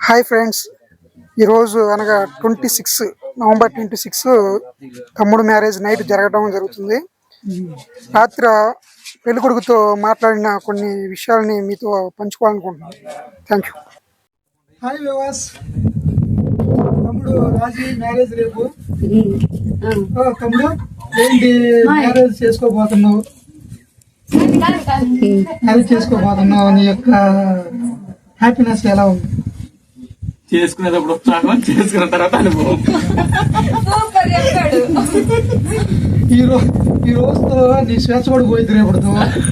Hi friends, ఈరోజు అనగా 26 November 26 తమ్ముడు మ్యారేజ్ నైట్ జరగడం జరుగుతుంది. రాత్రి పెళ్ళికొడుకుతో మాట్లాడిన కొన్ని విషయాలని మీతో పంచుకోవాలనుకుంటున్నాను. Thank you. హాయ్ వివాస్, తమ్ముడు రాజీ మ్యారేజ్ రేపు. తమ్ముడు ఏంటి మ్యారేజ్ చేసుకోబోతున్నావు? మ్యారేజ్ చేసుకోబోతున్నావు, నీ యొక్క హ్యాపీనెస్ ఎలా ఉంది? చేసుకునేటప్పుడు ఉత్సాహం, చేసుకున్న తర్వాత అనుభవం. ఈ రోజుతో నీ స్వేచ్ఛ కూడా పోయింది రేపటితో.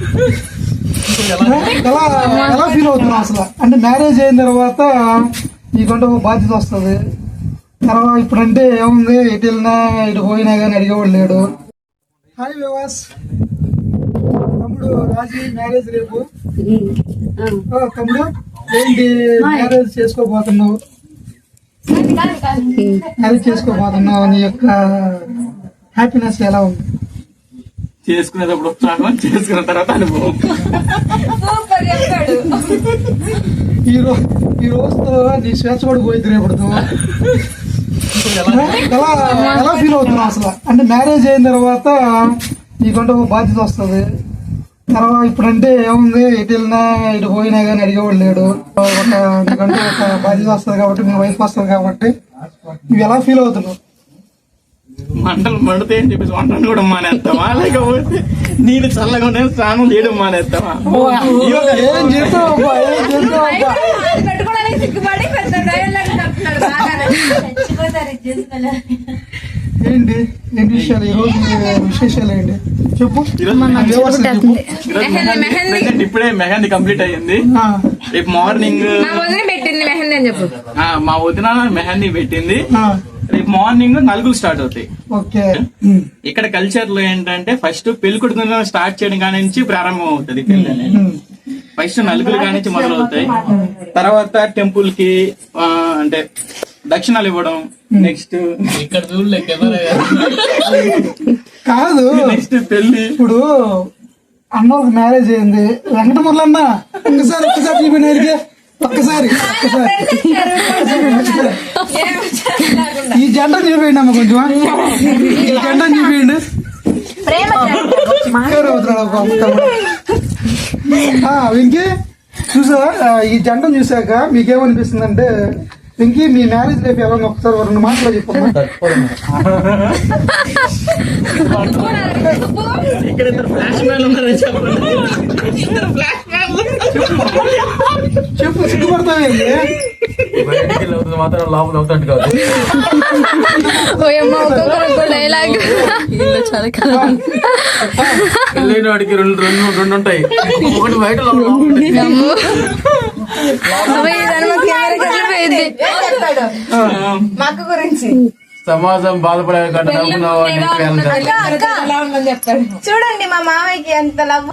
ఎలా ఫీల్ అవుతున్నావు అసలు? అంటే మ్యారేజ్ అయిన తర్వాత నీకంటే ఒక బాధ్యత వస్తుంది. తర్వాత ఇప్పుడంటే ఏముంది, ఎటు వెళ్ళినా ఇటు పోయినా కానీ అడిగేవాడు లేడు. హాయ్ వివాస్, తమ్ముడు రాజీ మ్యారేజ్ రేపు. తమ్ముడు ఏంటి మ్యారేజ్ చేసుకోబోతున్నావు? మ్యారేజ్ చేసుకోబోతున్నావు, నీ యొక్క హ్యాపీనెస్ ఎలా ఉంది? చేసుకునేటప్పుడు ఉత్సాహం, చేసుకున్న తర్వాత అనుభవం. ఈ రోజుతో నీ స్వేచ్ఛ కూడా పోయింది రేపటితో. ఎలా ఫీల్ అవుతున్నావు అసలు? అంటే మ్యారేజ్ అయిన తర్వాత నీకంటే ఒక బాధ్యత వస్తుంది. తర్వాత ఇప్పుడంటే ఏముంది, ఎటు వెళ్ళినా ఇటు పోయినా కానీ అడిగేవాడు లేడు. నీకంటే ఒక బాధ్యత వస్తుంది కాబట్టి, మీ వైఫ్ వస్తుంది కాబట్టి నువ్వు ఎలా ఫీల్ అవుతున్నావు? మంటలు మండితే అని చెప్పేసి వంటను కూడా మానేస్తావా, లేకపోతే నీళ్ళు చల్లగా ఉంటే స్నానం చేయడం మానేస్తావా? ఏం చేస్తావు? ఏంటి ఏంటి విషయాలు? ఈ రోజు విశేషాలు ఏంటి చెప్పు. ఇప్పుడే మెహందీ కంప్లీట్ అయ్యింది. రేపు మార్నింగ్ మా వదిన మెహందీ పెట్టింది. రేపు మార్నింగ్ నలుగులు స్టార్ట్ అవుతాయి. ఇక్కడ కల్చర్ లో ఏంటంటే ఫస్ట్ పెళ్లి కొడుకు స్టార్ట్ చేయడం కాని నుంచి ప్రారంభం అవుతుంది పెళ్లి అనేది. ఫస్ట్ నలుగులు కాని నుంచి మొదలవుతాయి. తర్వాత టెంపుల్ కి అంటే దక్షిణాలు ఇవ్వడం. నెక్స్ట్ ఇక్కడ కాదు, నెక్స్ట్ పెళ్లి. ఇప్పుడు అన్నోళ్ళకి మ్యారేజ్ అయింది. వెంకటమురళి అన్న ఒక్కసారి ఒక్కసారి ఈ జంట చూపించండి అమ్మ, కొంచెం ఈ జంట చూపించండి. వెంకీ చూసావా? ఈ జంటను చూసాక మీకేమనిపిస్తుంది అంటే, వెంకీ మీ మ్యారేజ్ లైఫ్ ఎలా ఒకసారి 2 మాటలు చెప్పమ్మా. ఇక్కడ ఇద్దరు ఫ్లాష్ మ్యాన్ ఉన్నారని చెప్పు, సిగ్గుపడతావేంటి? మాత్రం లోపల అవుతాడు కాదు. పెళ్ళైన వాడికి రెండు ఉంటాయి, ఒకటి బయట గురించి సమాజం బాధపడే చూడండి మా మామయ్యకి ఎంత లవ్.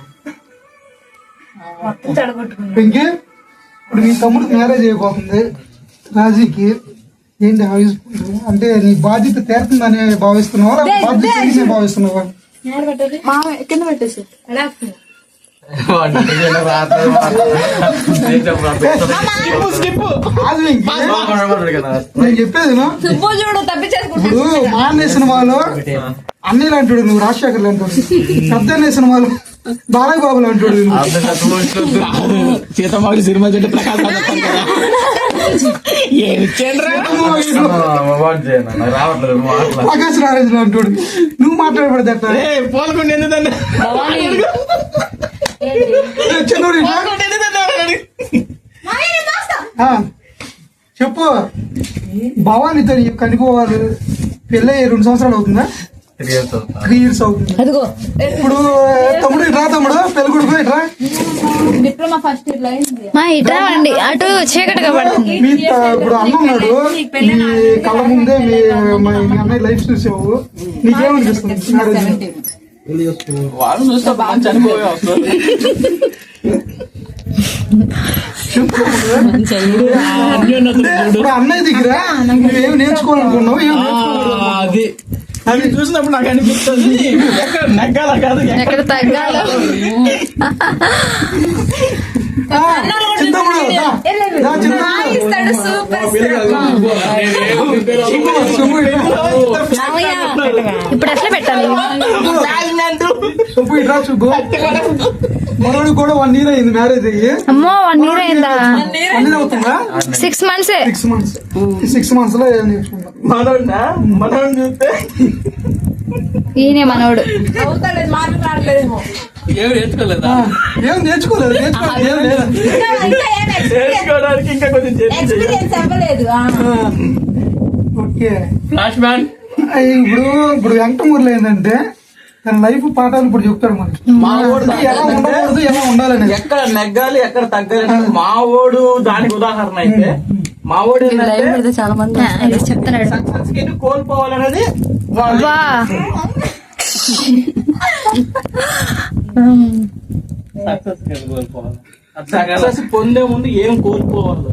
వెంకీ, ఇప్పుడు నీ తమ్ముడికి మ్యారేజ్ అయిపోతుంది రాజీకి. ఏంటి ఆలోచిస్తున్నావు? అంటే నీ బాధ్యత తీరుతుందని భావిస్తున్నావా, బాధ్యత భావిస్తున్నావా? కింద పెట్టేసి నేను చెప్పేది ఇప్పుడు మా అన్నయ్య సినిమాలో అన్నయ్యలు అంటాడు, నువ్వు రాజశేఖర్లు అంటాడు. పెద్ద అన్నయ్య సినిమాలో బాలయ్య బాబులు అంటాడు. సీతమ్మకి సినిమా చెట్టు ప్రకాశ్ రాజు అంటాడు. నువ్వు మాట్లాడబడదు అట్లా. పోల్కొండ ఎందుకంటే చెప్పు. భవానీతో కనుకోవాలి. పెళ్ళి 2 సంవత్సరాలు అవుతుందా? 3 years అవుతుంది. ఇప్పుడు తమ్ముడు ఇట్రా, తమ్ముడు పెళ్లి కొడుకు ఇట్రా. డిప్లొమా ఫస్ట్ ఇయర్ లో ఇట్రా అండి, అటు చీకటిగా పడుతుంది. ఇప్పుడు అన్న ఉన్నాడు మీ కళ్ళ ముందే, మీ అన్నయ్య లైఫ్ చూసావు. నీకేమనిపిస్తుంది? వాళ్ళు చూస్తే బాగా చనిపోయే వస్తుంది. ఇప్పుడు అన్నయ్య దగ్గర నువ్వేమి నేర్చుకోవాలనుకున్నావు? అది అవి చూసినప్పుడు నాకు అనిపిస్తుంది ఎక్కడ నెగ్గాల కాదు ఎక్కడ తగ్గాల. సూపర్ మామయ్య ఇప్పుడు ఎట్లా పెట్టాలి సుబ్బు ఇట్రా సుబ్బు మనోడు కూడా 1 year అయింది మ్యారేజ్ అయ్యి. అమ్మో 1 year అయిందా 1 year అవుతుందా? 6 months 6 months. ఈ 6 months లో ఏం నేర్చుకున్నాం? మనోడు చూస్తే ఈయనే మనోడు అవుతాడు మాట్లాడలేదేమో ఏమి నేర్చుకోలేదా? ఏం నేర్చుకోలేదు ఏం లేదా? ఇంకా ఏం నేర్చుకోవడానికి ఇంకా కొంచెం ఎక్స్పీరియన్స్ అవ్వలేదు ఓకే. ఫ్లాష్ మ్యాన్ ఇప్పుడు వెంకటమూరులో ఏంటంటే తన లైఫ్ పాఠాలు ఇప్పుడు చెప్తాడు మనకి. మా ఓడు ఎలా ఉండకూడదు ఎలా ఉండాలని. ఎక్కడ నెగ్గాలి ఎక్కడ తగ్గాలి మా ఓడు దానికి ఉదాహరణ అయితే మా ఓడు చాలా మంది చెప్తున్నాడు సక్సెస్ కి కోల్పోవాలనేది వా సక్సెస్ పొందే ముందు ఏం కోల్పోవాలి.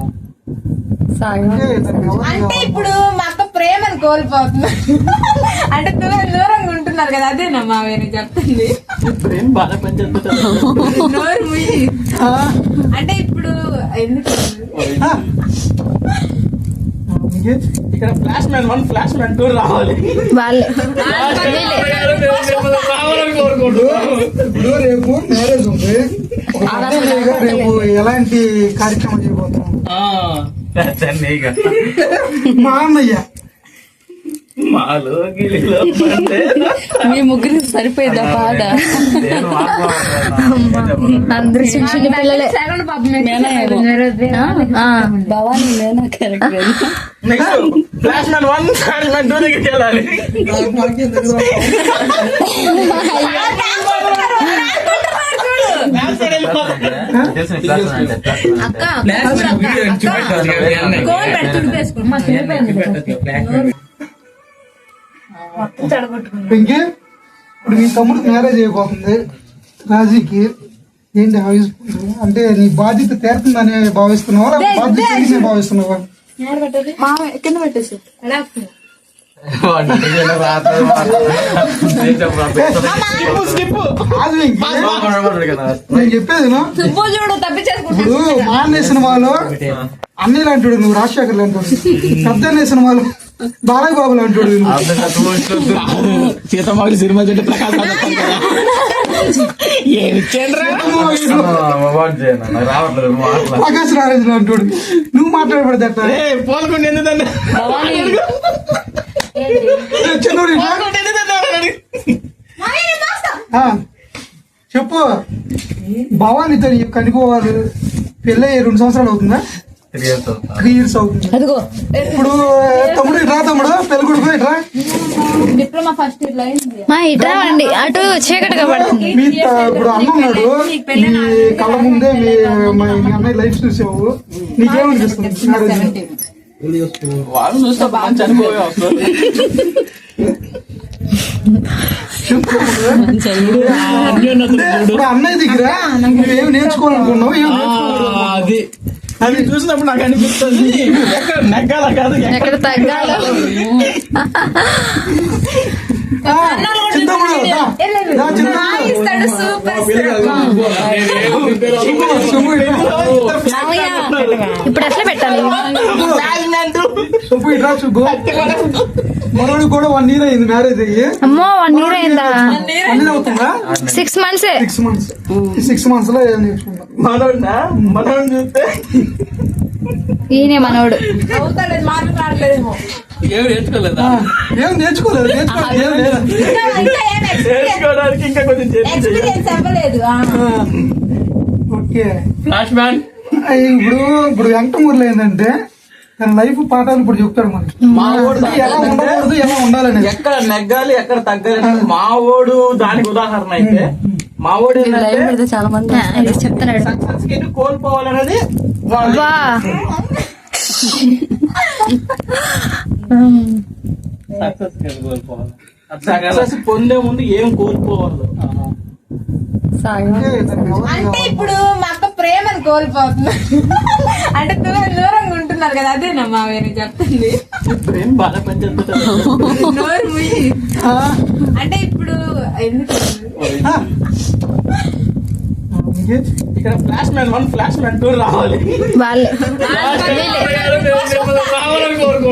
అంటే తనకి ఎవరు అంటే ఇప్పుడు మా అక్క ప్రేమను కోల్పోతుంది అంటే దూరంగా ఉంటున్నారు కదా అదేనా మా వేరే చెప్తుంది ప్రేమ బాగా పనిచేస్తుంది. నోరు ముయ్యి అంటే ఇప్పుడు ఎందుకు నీకే? ఇక్కడ ఫ్లాష్ మ్యాన్ 1 ఫ్లాష్ మ్యాన్ 2 రావాలి. వాళ్ళే ఇప్పుడు రేపు మ్యారేజ్ ఉంది. ఒక పెద్దగా రేపు ఎలాంటి కార్యక్రమం చేయబోతున్నాం? మా అన్నయ్య మాలో గిలిలో పడితే మీ ముగ్గురికి సరిపోయిందా పాట అందరూ చిన్న చిన్న పిల్లలే భవానీ మేనా character next flash man 1 flash man 2 దగ్గరికి వెళ్ళాలి. వెంకీ ఇప్పుడు మీ తమ్ముడు మ్యారేజ్ అయిపోతుంది రాజీకి. ఏంటి ఆలోచిస్తుంది? అంటే నీ బాధ్యత తీరుతుందని భావిస్తున్నావా లేకపోతే బాధ్యత తీరిందని భావిస్తున్నావా? కింద పెట్టేసి కాదు వెంకీ, నేను చెప్పేది విను. సుబ్బు చూడు తప్పించేసుకుంటా ఇప్పుడు మా అన్నయ్య సినిమాలో అన్నయ్య లాంటి నువ్వు రాజశేఖర్ లాంటి పెద్ద అన్నయ్య సినిమాలో బాలయ్య బాబు లాంటి సీతమ్మకి సినిమా చెట్టు ప్రకాశ్ ప్రకాశ్ రాజు లాంటి నువ్వు మాట్లాడబడతా పోల్కొండ ఎందుకంటే చిన్నోడు చెప్పు. భవానీతో కనిపోవాలి పెళ్ళి 2 సంవత్సరాలు అవుతుందా? 3 years అవుతుంది. అదిగో ఇప్పుడు తమ్ముడు ఇట్రా, తమ్ముడు పెళ్లి కొడుకు ఇట్రా. డిప్లొమా ఫస్ట్ ఇయర్ లో అయింది మా ఇట్రా అండి అటు చీకటిగా పడుతుంది ఇప్పుడు అన్న ఉన్నాడు మీ కళ్ళ ముందే మీ అన్నయ్య లైఫ్ చూసావు. నీకేమనిపిస్తుంది మ్యారేజ్? వాళ్ళు చూస్తే బాగా చనిపోయే వస్తారు. ఇప్పుడు అన్నయ్య దగ్గర నువ్వేం నేర్చుకోవాలనుకున్నావు ఏం నేర్చుకోవాలి? అది అది చూసినప్పుడు నాకు అనిపిస్తుంది ఎక్కడ నెగ్గాల కాదు ఎక్కడ తగ్గాలో చింతమ్ముడు ఇస్తాడు సూపర్ మామయ్య ఇప్పుడు ఎట్లా పెట్టాలి సుబ్బు ఇట్రా సుబ్బు మనోడు కూడా 1 year అయింది మ్యారేజ్ అయ్యి. అమ్మో 1 year అయిందా 1 year అవుతుందా? 6 months 6 months. ఈ 6 months లో ఏం నేర్చుకున్నాం? మనోడు చూస్తే ఈయనే మనోడు అవుతాడు మాట్లాడలేదేమో ఏమి నేర్చుకోలేదా? ఏం నేర్చుకోలేదు ఏం లేదా? ఇంకా ఏం నేర్చుకోవడానికి ఇంకా కొంచెం ఎక్స్పీరియన్స్ అవ్వలేదు ఓకే. ఫ్లాష్ మ్యాన్ ఇప్పుడు వెంకటమూరులో ఏంటంటే తన లైఫ్ పాఠాలు ఇప్పుడు చెప్తాడు మనకి. మా ఓడు ఎలా ఉండకూడదు ఎలా ఉండాలని. ఎక్కడ నెగ్గాలి ఎక్కడ తగ్గాలి మా ఓడు దానికి ఉదాహరణ అయితే మా ఓడు చాలా మంది చెప్తున్నాడు సక్సెస్ కి కోల్పోవాలనేది వా సక్సెస్ పొందే ముందు ఏం కోల్పోవాలి. అంటే తనకి ఎవరు అంటే ఇప్పుడు మా అక్క ప్రేమను కోల్పోతుంది అంటే దూరంగా ఉంటున్నారు కదా అదేనా మా వేరే చెప్తుంది ప్రేమ బాగా పనిచేస్తుంది. నోరు ముయ్యి అంటే ఇప్పుడు ఎందుకు నీకే? ఇక్కడ ఫ్లాష్ మ్యాన్ 1 ఫ్లాష్ మ్యాన్ 2 రావాలి. వాళ్ళే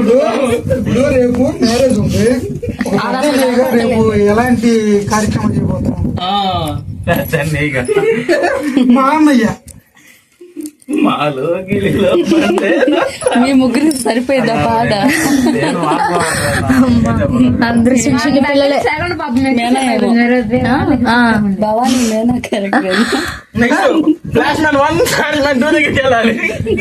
ఇప్పుడు రేపు మ్యారేజ్ ఉంది. ఒక పెద్దగా రేపు ఎలాంటి కార్యక్రమం చేయబోతున్నాం? మా అన్నయ్య మాలో గిలిలో పడితే మీ ముగ్గురికి సరిపోయిందా పాట? అందరూ చిన్న చిన్న పిల్లలే. భవానీ మేనా character. Next flash man 1 flash man 2 దగ్గరికి వెళ్ళాలి.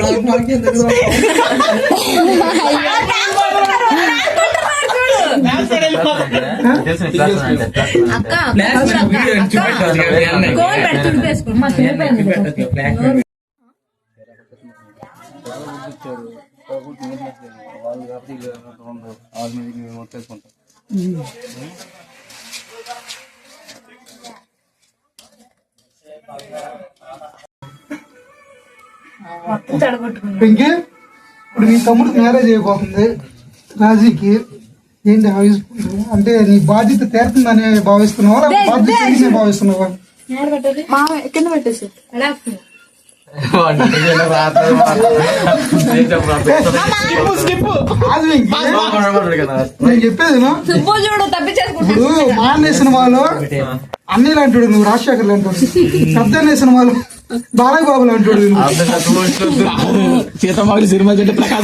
వెంకీ, ఇప్పుడు మీ తమ్ముడికి మ్యారేజ్ అయిపోతుంది రాజీకి. ఏంటి ఆవిస్తుంది? అంటే నీ బాధ్యత తీరుతుందని భావిస్తున్నావా, బాధ్యత తీరిందని భావిస్తున్నావా? కింద పెట్టేసి కాదు వెంకీ, నేను చెప్పేది విను. ఇప్పుడు మా అన్నయ్య సినిమాలో అన్నీ లాంటి నువ్వు రాజశేఖర్ లాంటి, పెద్ద అన్నయ్య సినిమాలో బాలయ్య బాబు లాంటి సీతమ్మకి సినిమా చెట్టు ప్రకాశ్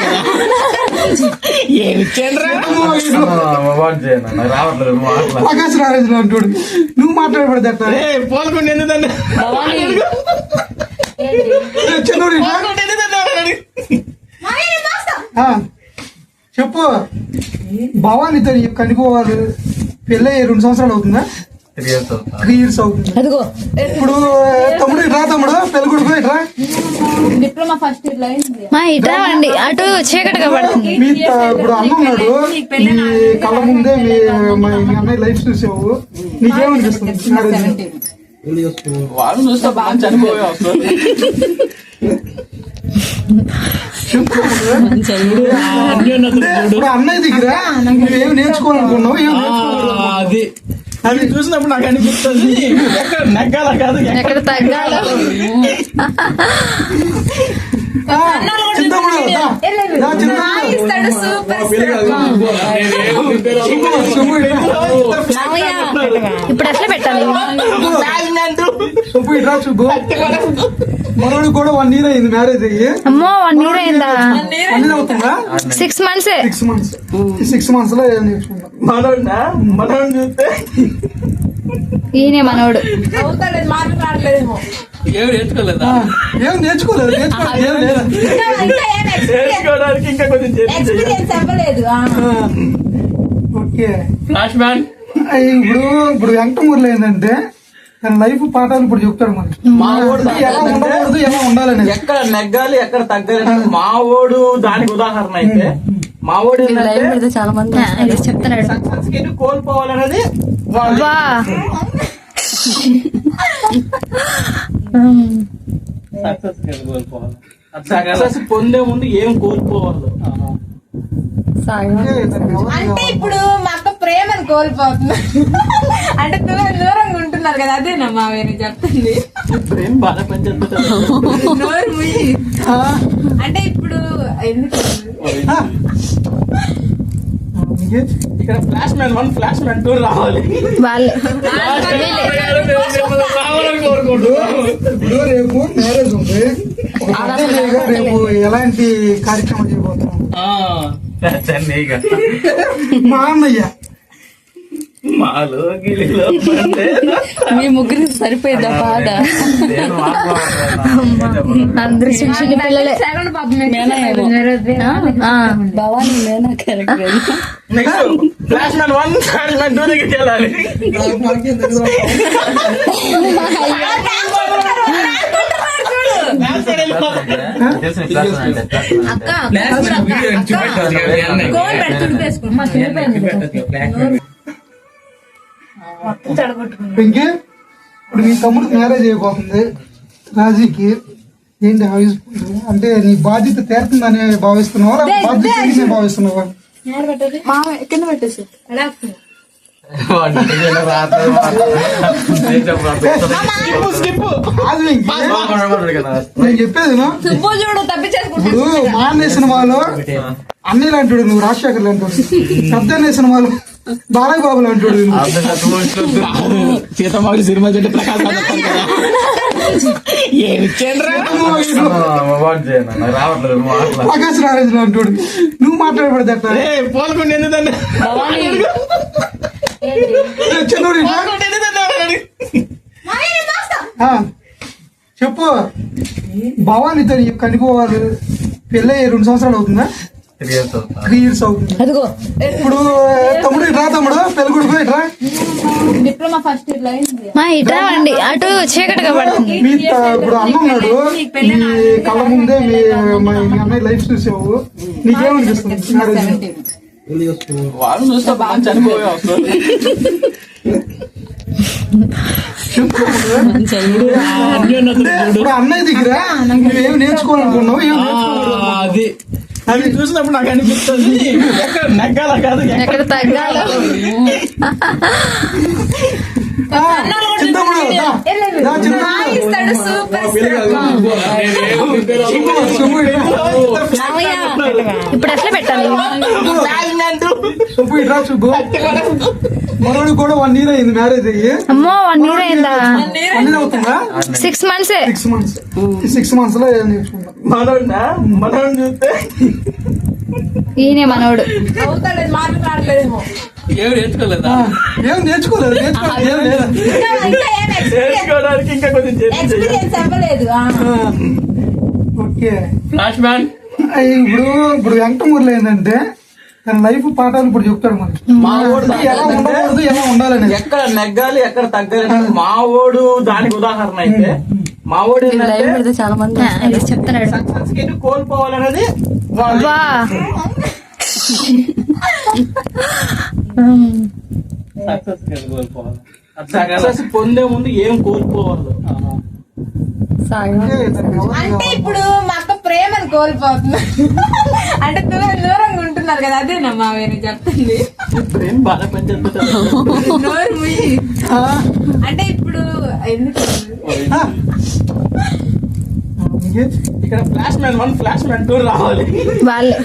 ప్రకాశ్ రాజు లాంటి నువ్వు మాట్లాడబడదట. పోల్కొండ ఎందుకంటే చిన్నోడు చెప్పు. భవానీతో కనిపోవాలి, పెళ్ళి 2 సంవత్సరాలు అవుతుందా? 3 years అవుతుంది. ఇప్పుడు తమ్ముడు ఇట్రా, తమ్ముడు పెళ్లి కొడుకు ఇట్రా. డిప్లొమా ఫస్ట్ ఇయర్ లో అయింది. మా ఇట్రా అండి, అటు చీకటిగా పడుతుంది. మీ ఇప్పుడు అన్న ఉన్నాడు, మీ కళ్ళ ముందే మీ అన్నయ్య లైఫ్ చూసావు, నీకేమనిపిస్తుంది? వాళ్ళు చూస్తే బాగా చనిపోయే వస్తుంది. ఇప్పుడు అన్నయ్య దగ్గర నువ్వేమి నేర్చుకోవాలనుకున్నావు, ఏం నేర్చుకోవాలి? అది చూసినప్పుడు నాకు అనిపిస్తుంది ఎక్కడ నెగ్గాల కాదు ఎక్కడ తగ్గాల. చింతమ్ముడు ఇప్పుడు ఎట్లా పెట్టాలి? మనోడు కూడా 1 year అయింది మ్యారేజ్ అయ్యి. అమ్మో 1 year అయిందా? 1 year అవుతుందా? 6 months. 6 months లో ఏం నేర్చుకున్నా? మనోడు చూస్తే ఈయనే మనోడు. మాట్లాడలేదేమో. ఏం నేర్చుకోలేదా? ఏం నేర్చుకోలేదు, ఏం లేదు. నేర్చుకోవడానికి ఇంకా కొంచెం ఎక్స్పీరియన్స్ అవ్వలేదు. ఓకే. ఫ్లాష్ మ్యాన్ ఇప్పుడు వెంకటమూరులో ఏంటంటే తన లైఫ్ పాఠాలు ఇప్పుడు చెప్తాడు మనకి, మా ఓడు ఎలా ఉండకూడదు, ఎలా ఉండాలని. ఎక్కడ నెగ్గాలి ఎక్కడ తగ్గాలి. మా ఓడు దానికి ఉదాహరణ అయితే మా ఓడు చాలా మంది చెప్తున్నాడు సక్సెస్ కి కోల్పోవాలనేది వా. సక్సెస్ పొందే ముందు ఏం కోల్పోవాలి. అంటే ఇప్పుడు మా అక్క ప్రేమను కోల్పోతుంది. అంటే దూరంగా ఉంటున్నారు కదా, అదేనా మా వేరే చెప్తుంది. ప్రేమ బాగా పనిచేస్తుంది. నోరు ముయ్యి. అంటే ఇప్పుడు ఎందుకు ఇక్కడ ఫ్లాష్ మ్యాన్ 1 ఫ్లాష్ మ్యాన్ 2 రావాలి. వాళ్ళే రావాలని కోరుకోండు. ఇప్పుడు రేపు మ్యారేజ్ ఉంది. ఒక పెద్దగా రేపు ఎలాంటి కార్యక్రమం చేయబోతున్నాం? మా అన్నయ్య మాలో గిలిలో పడితే మీ ముగ్గురికి సరిపోయిందా పాట? అందరూ చిన్న చిన్న పిల్లలే. భవానీ మేనా character. Next flash man 1 flash man 2 దగ్గరికి వెళ్ళాలి. వెంకీ, ఇప్పుడు మీ తమ్ముడికి మ్యారేజ్ అయిపోతుంది రాజీకి. ఏంటి ఆవిస్తుంది? అంటే నీ బాధ్యత తీరుతుందని భావిస్తున్నావా, బాధ్యత తీరిందని భావిస్తున్నావా? కింద పెట్టేసి స్కిప్ కాదు వెంకీ. నేను చెప్పేది విను. సుబ్బు చూడు తప్పించేసుకుంటా ఇప్పుడు మా అన్నయ్య సినిమాలో అన్నయ్యలు అంటాడు నువ్వు, రాజశేఖర్లు అంటాడు. పెద్ద అన్నయ్య సినిమాలో బాలయ్య బాబులు అంటాడు నువ్వు. సీతమ్మకి సినిమా చెట్టు ప్రకాశ్ ప్రకాశ్ రాజేంద్ర అంటాడు. నువ్వు మాట్లాడబడదు అట్లా. పోల్కొండ ఎందుకంటే చిన్నోడు ఇట్లా. ఆ, చెప్పు. భవానీతో నీకు కనిపోవాలి పెళ్ళి 2 సంవత్సరాలు అవుతుందా? 3 years అవుతుంది. అదిగో ఇప్పుడు తమ్ముడు ఇట్రా, తమ్ముడు పెళ్లి కొడుకు ఇట్రా. డిప్లొమా ఫస్ట్ ఇయర్ లో అయింది. మా ఇట్రా అండి అటు చీకటిగా పడుతుంది. ఇప్పుడు అన్న ఉన్నాడు మీ కళ్ళ ముందే, మీ అన్నయ్య లైఫ్ చూసావు, నీకేమనిపిస్తుంది? వాళ్ళు చూస్తే బాగా చనిపోయే వస్తుంది. ఇప్పుడు అన్నయ్య దగ్గర నువ్వేం నేర్చుకోవాలనుకున్నావు, ఏం నేర్చుకోవాలి? అది అది చూసినప్పుడు నాకు అనిపిస్తుంది ఎక్కడ నెగ్గాల కాదు ఎక్కడ తగ్గాలో చింతమ్ముడు ఇస్తాడు సూపర్ మామయ్య ఇప్పుడు ఎట్లా పెట్టాలి? సుబ్బు ఇట్రా. సుబ్బు మనోడు కూడా 1 year అయింది మ్యారేజ్ అయ్యి. అమ్మో 1 year అయిందా? 1 year అవుతుందా? 6 months 6 months. ఈ 6 months లో ఏం నేర్చుకున్నాం? మనోడు చూస్తే ఈయనే మనోడు. అవుతాడు మాట్లాడలేదేమో. ఏమి నేర్చుకోలేదా? ఏం నేర్చుకోలేదు, నేర్చుకోలేదు ఏం లేదా? ఇంకా ఏం నేర్చుకోవడానికి ఇంకా కొంచెం ఎక్స్పీరియన్స్ అవ్వలేదు. ఓకే. ఫ్లాష్ మ్యాన్ ఇప్పుడు వెంకటమూరులో ఏంటంటే తన లైఫ్ పాఠాలు ఇప్పుడు చెప్తాడు మనకి. మా ఓడు ఎలా ఉండకూడదు, ఎలా ఉండాలని. ఎక్కడ నెగ్గాలి ఎక్కడ తగ్గాలి మా ఓడు దానికి ఉదాహరణ అయితే మా ఓడు లైవ్ పెడితే చాలా మంది చెప్తున్నాడు. సక్సెస్ కి కోల్పోవాలనేది వా సక్సెస్ పొందే ముందు ఏం కోల్పోవాలి. అంటే ఇప్పుడు మా అక్క ప్రేమను కోల్పోతుంది. అంటే దూరంగా ఉంటున్నారు కదా, అదేనమ్మా వేరే చెప్తుంది. ఏం బాగా పనిచేస్తుంది. నోరు ముయ్యి. అంటే ఇప్పుడు ఎందుకు ఇక్కడ ఫ్లాష్ మ్యాన్ 1 ఫ్లాష్ మ్యాన్ 2 రావాలి. వాళ్ళే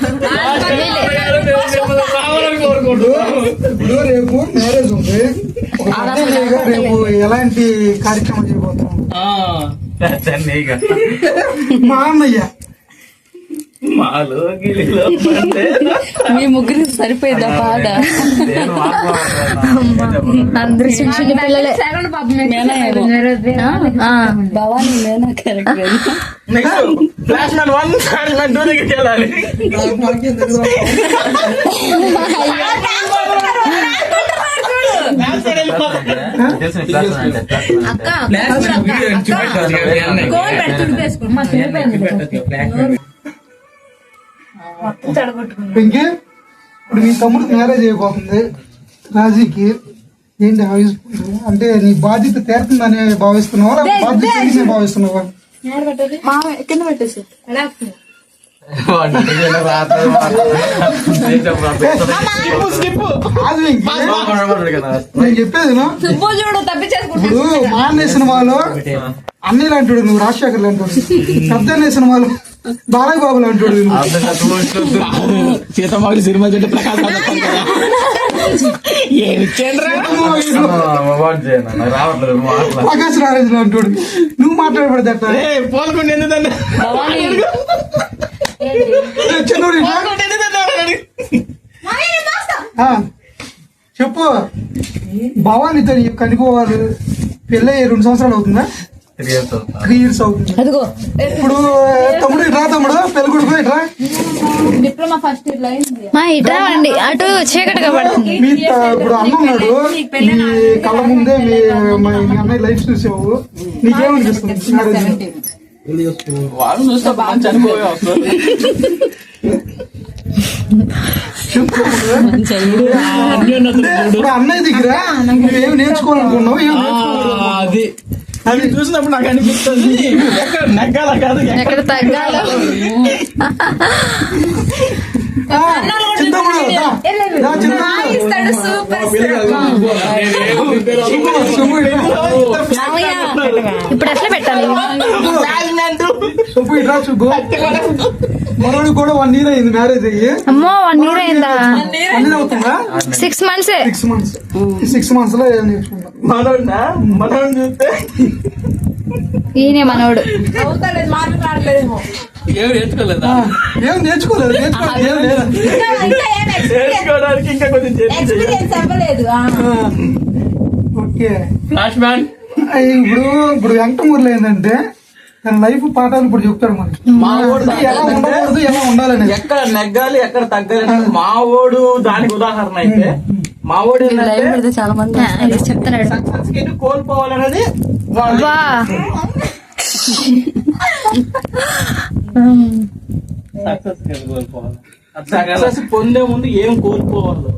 ఇప్పుడు రేపు మ్యారేజ్ ఉంది. ఒక అన్నయ్యగా రేపు ఎలాంటి కార్యక్రమం చేయబోతున్నాం? మా అన్నయ్య మాలో గిలిలో మీ ముగ్గురికి సరిపోయిందా పాట? అందరు చిన్న చిన్న పిల్లలే. భవానీ మేనా correct. Next flash man 1 flash man 2 దగ్గరికి వెళ్ళాలి. వెంకీ, ఇప్పుడు మీ తమ్ముడు మ్యారేజ్ అయిపోతుంది రాజీకి. ఏంటి ఆవిస్తుంది? అంటే నీ బాధ్యత తీరుతుందని భావిస్తున్నావా, లేకపోతే బాధ్యత తీరిందని భావిస్తున్నావా? కింద పెట్టేసి కాదు వెంకీ, నేను చెప్పేది విను. సుబ్బు చూడు తప్పించేసుకుంటా ఇప్పుడు మా అన్నయ్య సినిమాలో అన్నయ్యలు అంటాడు నువ్వు, రాజశేఖర్లు అంటాడు. పెద్ద అన్నయ్య సినిమాలో బాలయ్య బాబులు అంటాడు నువ్వు. సీతమ్మకి సినిమా చెట్టు ప్రకాశ్ ప్రకాశ్ రాజేంద్ర అంటాడు. నువ్వు మాట్లాడబడదు అట్లా. పోల్కొండ ఎందుకంటే చిన్నోడు ఇట్లా. ఆ, చెప్పు. భవానీతో నీకు కనిపోవాలి పెళ్ళి 2 సంవత్సరాలు అవుతుందా? 3 years అవుతుంది. అదిగో ఇప్పుడు తమ్ముడు ఇట్రా, తమ్ముడు పెళ్లి కొడుకు ఇట్రా. డిప్లొమా ఫస్ట్ ఇయర్ లో అయింది. మా ఇట్రా అండి అటు చీకటిగా పడుతుంది. ఇప్పుడు అన్న ఉన్నాడు మీ కళ్ళ ముందే, మీ అన్నయ్య లైఫ్ చూసావు, నీకేమనిపిస్తుంది? వాళ్ళు చూస్తే బాగా చనిపోయే వస్తుంది. ఇప్పుడు అన్నయ్య దగ్గర నువ్వేం నేర్చుకోవాలనుకున్నావు, ఏం నేర్చుకోవాలి? అది అది చూసినప్పుడు నాకు అనిపిస్తుంది ఎక్కడ నెగ్గాల కాదు ఎక్కడ తగ్గాలో చింతమ్ముడు ఇస్తాడు సూపర్ ఇప్పుడు ఎట్లా పెట్టాలి? సుబ్బు ఇట్రా సుబ్బు. మనోడికి కూడా 1 year అయింది మ్యారేజ్ అయ్యి. అమ్మో 1 year అయిందా? 1 year అవుతుందా? 6 months. 6 months. ఈ 6 months లో ఏం నేర్చుకుంటాం? మనోడు చూస్తే ఈయనే మనోడు. అవుతలేదు, మాట్లాడలేదేమో. ఏం నేర్చుకోలేదా? ఏం నేర్చుకోలేదు, నేర్చుకోలేదు ఏం లేదు. నేర్చుకోవడానికి ఇంకా కొంచెం ఎక్స్పీరియన్స్ అవ్వలేదు. ఓకే. ఫ్లాష్ మ్యాన్ ఇప్పుడు వెంకటమూరులో ఏంటంటే తన లైఫ్ పాఠాలు ఇప్పుడు చెప్తాడు మనకి. మా వాడు ఎలా ఉండకూడదు, ఎలా ఉండాలని. ఎక్కడ నెగ్గాలి ఎక్కడ తగ్గాలి మావోడు దానికి ఉదాహరణ అయితే మావోడు చాలా మంది చెప్తున్నాడు. సక్సెస్ కి కోల్పోవాలనేది వా సక్సెస్ పొందే ముందు ఏం కోల్పోవాలి.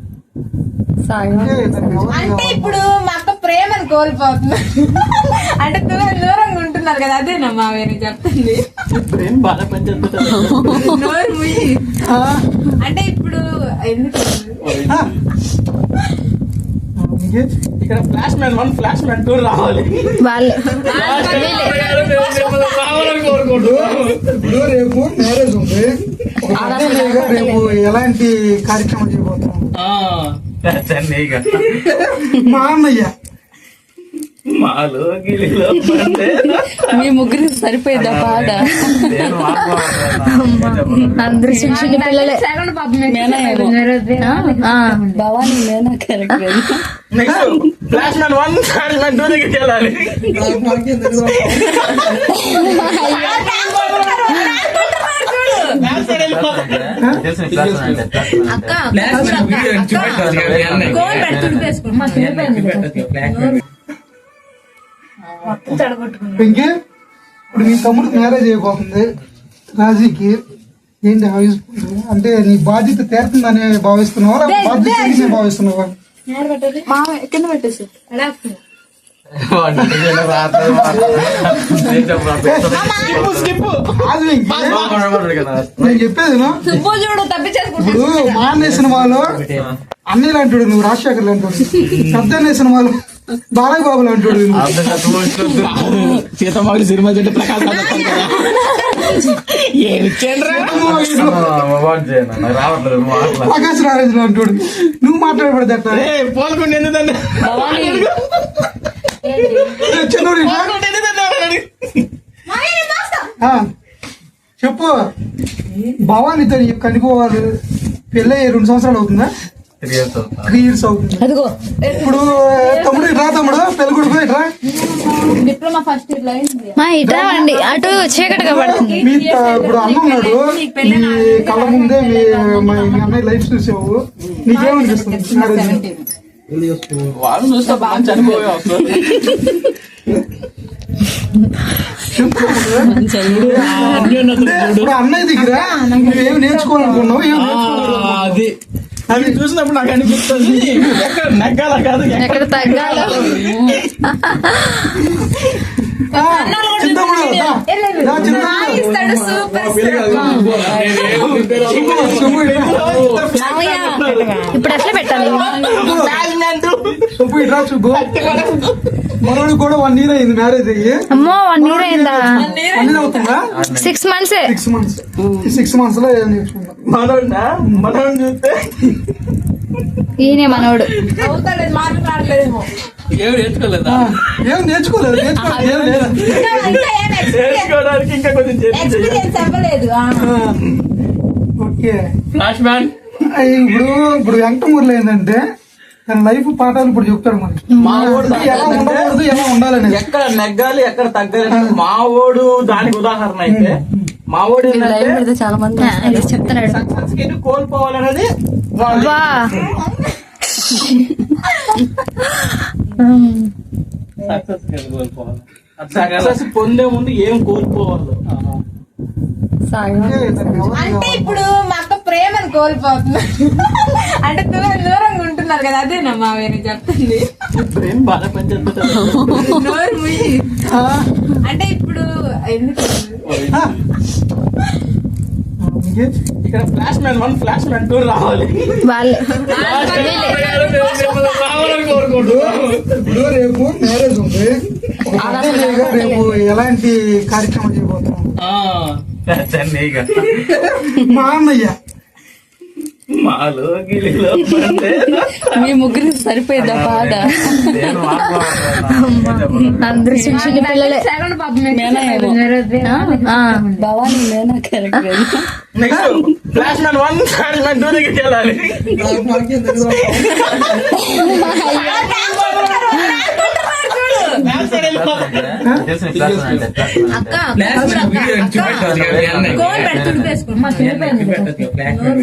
అంటే ఇప్పుడు మా అక్క ప్రేమను కోల్పోతుంది. అంటే దూరంగా ఉంటున్నారు కదా, అదేనా మా వేరే చెప్తుంది. ప్రేమ బాగా పనిచేస్తుంది. నోరు ముయ్యి. అంటే ఇప్పుడు ఎందుకు ఇక్కడ ఫ్లాష్ మ్యాన్ 1 ఫ్లాష్ మ్యాన్ 2 రావాలి. వాళ్ళు ఇప్పుడు రేపు మ్యారేజ్ ఉంది. ఒక పెద్దగా రేపు ఎలాంటి కార్యక్రమం చేయబోతున్నాం? మా అన్నయ్య మాలో గిలిలో మీ ముగ్గురు సరిపోయిందా పాట? అందరూ చిన్న చిన్న పిల్లలే. భవానీ మేనా correct. Next flash man 1 flash man 2 దగ్గరికి వెళ్ళాలి. వెంకీ, ఇప్పుడు మీ తమ్ముడికి మ్యారేజ్ అయిపోతుంది రాజీకి. ఏంటి ఆవిస్తుంది? అంటే నీ బాధ్యత తీరుతుందని భావిస్తున్నావా, బాధ్యత తీరిందని భావిస్తున్నావా? కింద పెట్టేసి కాదు వెంకీ, నేను చెప్పేది విను. చూడు తప్పించేసుకుంటా. ఇప్పుడు మా అన్నయ్య సినిమాలో అన్నయ్యలు అంటాడు, నువ్వు రాజశేఖర్లు అంటాడు. పెద్ద అన్నయ్య సినిమాలో బాలయ్య బాబులు అంటాడు. సీతమ్మకి సినిమా చెట్టు ప్రకాశ్ ప్రకాశ్ రాజులు అంటాడు. నువ్వు మాట్లాడబడదు అట్లా. పోల్కొండ ఎందుకంటే చిన్నోడు ఇట్లా. చెప్పు, భవానీతో కనిపోవాలి. పెళ్ళి 2 సంవత్సరాలు అవుతుందా? 3 years అవుతుంది. అదిగో ఇప్పుడు తమ్ముడు ఇట్రా, తమ్ముడు పెళ్లి కొడుకు ఇట్రా. డిప్లొమా ఫస్ట్ ఇయర్ లో అయింది. మా ఇట్రా అండి, అటు చీకటిగా పడుతుంది. మీ ఇప్పుడు అన్న ఉన్నాడు, మీ కళ్ళ ముందే మీ అన్నయ్య లైఫ్ చూసావు. నీకేమనిపిస్తుంది మ్యారేజ్? వాళ్ళు చూస్తే బాగా చనిపోయే ఇప్పుడు అన్నయ్య దగ్గర నువ్వేమి నేర్చుకోవాలనుకున్నావు, ఏం నేర్చుకోవాలి? అది అది చూసినప్పుడు నాకు అనిపిస్తుంది ఎక్కడ నెగ్గాల కాదు ఎక్కడ తగ్గాలో. చింతమ్ముడు ఇస్తాడు సూపర్. ఇప్పుడు ఎట్లా పెట్టాలి? సుబ్బు ఇట్రా సుబ్బు. మనోడికి కూడా 1 year అయింది మ్యారేజ్ అయ్యి. అమ్మో 1 year అయిందా? 1 year అవుతుందా? 6 months. 6 months. ఈ 6 months లో ఏం నేర్చుకుంటాం? మనోడు చూస్తే ఈయనే మనోడు. అవుతలేదు, మాట్లాడలేదేమో. ఏం నేర్చుకోలేదా? ఏం నేర్చుకోలేదు, నేర్చుకోలేదు ఏం లేదు. నేర్చుకోవడానికి ఇంకా కొంచెం ఎక్స్పీరియన్స్ అవ్వలేదు. ఓకే. ఫ్లాష్ మ్యాన్ ఇప్పుడు వెంకటమూరులో ఏంటంటే తన లైఫ్ పాఠాలు ఇప్పుడు చెప్తాడు మనకి. మావోడు ఎలా ఉండకూడదు, ఎలా ఉండాలని. ఎక్కడ నెగ్గాలి ఎక్కడ తగ్గాలి మావోడు దానికి ఉదాహరణ అయితే మావోడు చాలా మంది చెప్తున్నాడు. సక్సెస్ కి కోల్పోవాలనేది వా సక్సెస్ పొందే ముందు ఏం కోల్పోవాలి. అంటే ఇప్పుడు మా అక్క ప్రేమను కోల్పోతుంది. అంటే దూరంగా ఉంటున్నారు కదా, అదేనా మా వేరే చెప్తుంది. ప్రేమ బాగా పనిచేస్తుంది. నోరు ముయ్యి. అంటే ఇప్పుడు ఎందుకు మనకి ఇక్కడ ఫ్లాష్ మ్యాన్ 1 ఫ్లాష్ మ్యాన్ 2 రావాలి. వాళ్ళే రావాలని కోరుకుంటున్నాను. ఇప్పుడు రేపు మ్యారేజ్ ఉంది. ఒక పెద్దయ్యగా రేపు ఎలాంటి కార్యక్రమం చేయబోతున్నాం? మా అన్నయ్య మాలో గిలిలో పడితే మీ ముగ్గురు సరిపోయిందా పాట? అందరూ చిన్న చిన్న పిల్లలే. సెకండ్ పాపం భవానీ మేనా correct. Next flash man 1 flash man 2 దగ్గరికి వెళ్ళాలి. నాకేం తెలియదు. అక్క కోన్ పెడుతుంది వేసుకో.